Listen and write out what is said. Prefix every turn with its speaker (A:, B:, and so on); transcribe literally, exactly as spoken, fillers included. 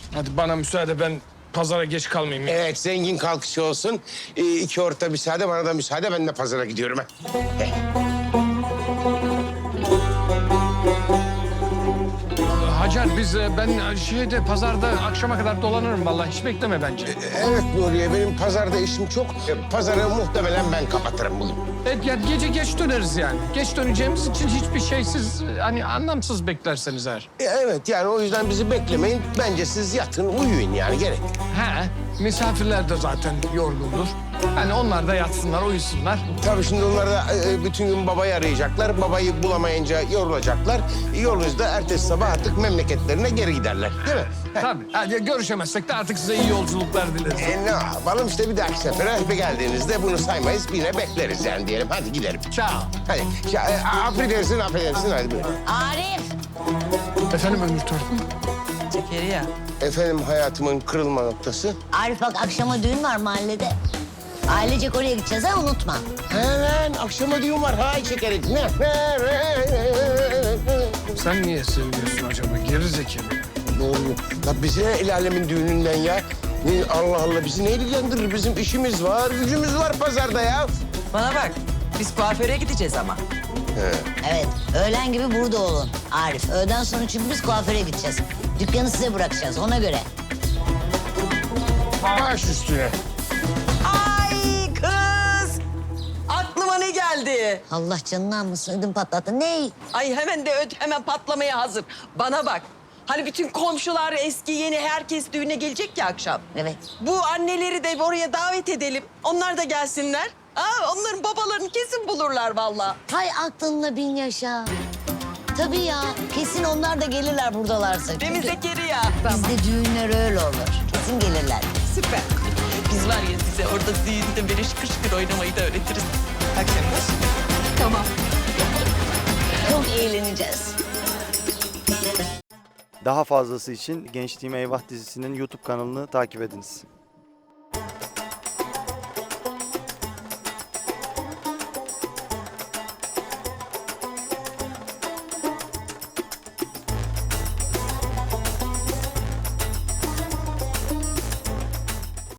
A: Hadi bana müsaade, ben pazara geç kalmayayım. ya.
B: Evet, zengin kalkışı olsun. Ee, iki orta müsaade, bana da müsaade. Ben de pazara gidiyorum. ha.
A: Hacer, biz e, ben şeyde pazarda akşama kadar dolanırım vallahi, hiç bekleme bence.
B: Evet Nuriye, benim pazarda işim çok. Ee, Pazarı muhtemelen ben kapatırım bugün.
A: Evet, ya gece geç döneriz yani. Geç döneceğimiz için hiçbir şeysiz, hani anlamsız beklerseniz eğer.
B: Ee, Evet, yani o yüzden bizi beklemeyin. Bence siz yatın, uyuyun yani, gerek.
A: He, misafirler de zaten yorgundur. Hani onlar da yatsınlar, uyusunlar.
B: Tabii şimdi onlar da e, bütün gün babayı arayacaklar. Babayı bulamayınca yorulacaklar. Yorulunca ertesi sabah artık memleketlerine geri giderler. Değil mi? Heh.
A: Tabii. Hadi görüşemezsek de artık size iyi yolculuklar dileriz.
B: E, ne yapalım işte, bir dahaki sefere bir geldiğinizde bunu saymayız. Yine bekleriz yani diyelim. Hadi gidelim.
A: Ciao.
B: Hadi. Ya, e, affedersin, affedersin. Hadi buyurun.
C: Arif.
A: Efendim Ömür Törpü?
D: Zekeriya.
B: Efendim, hayatımın kırılma noktası.
C: Arif bak, akşama düğün var mahallede. Ailecek oraya gideceğiz ha, unutma.
B: Hemen akşama düğün var. Hay şekerim. Ne?
A: Sen niye seviyorsun acaba? Geri zekalı.
B: Doğru. La bize ne el alemin düğününden ya? Ne, Allah Allah, bizi ne ilgilendirir? Bizim işimiz var, gücümüz var pazarda ya.
D: Bana bak. Biz kuaföre gideceğiz ama.
C: Evet, öğlen gibi burada olun Arif. Öğleden sonra çünkü biz kuaföre gideceğiz. Dükkanı size bırakacağız, ona göre.
B: Baş üstüne.
D: Ay kız! Aklıma ne geldi?
C: Allah canını almasın, ödüm patlattı. Ne?
D: Ay hemen de öd, hemen patlamaya hazır. Bana bak. Hani bütün komşular, eski yeni herkes düğüne gelecek ya akşam.
C: Evet.
D: Bu anneleri de oraya davet edelim. Onlar da gelsinler. Aa, onların babalarını kesin bulurlar vallahi.
C: Hay aklınla bin yaşa. Tabii ya, kesin onlar da gelirler buradalarsa.
D: Değil mi
C: Çünkü
D: Zekeriya?
C: bizde düğünler öyle olur. Kesin gelirler.
D: Süper. Biz var ya size orada düğünde böyle şıkır şıkır oynamayı da öğretiriz. Akşam kız. Tamam.
C: Çok eğleneceğiz.
E: Daha fazlası için Gençliğime Eyvah dizisinin YouTube kanalını takip ediniz.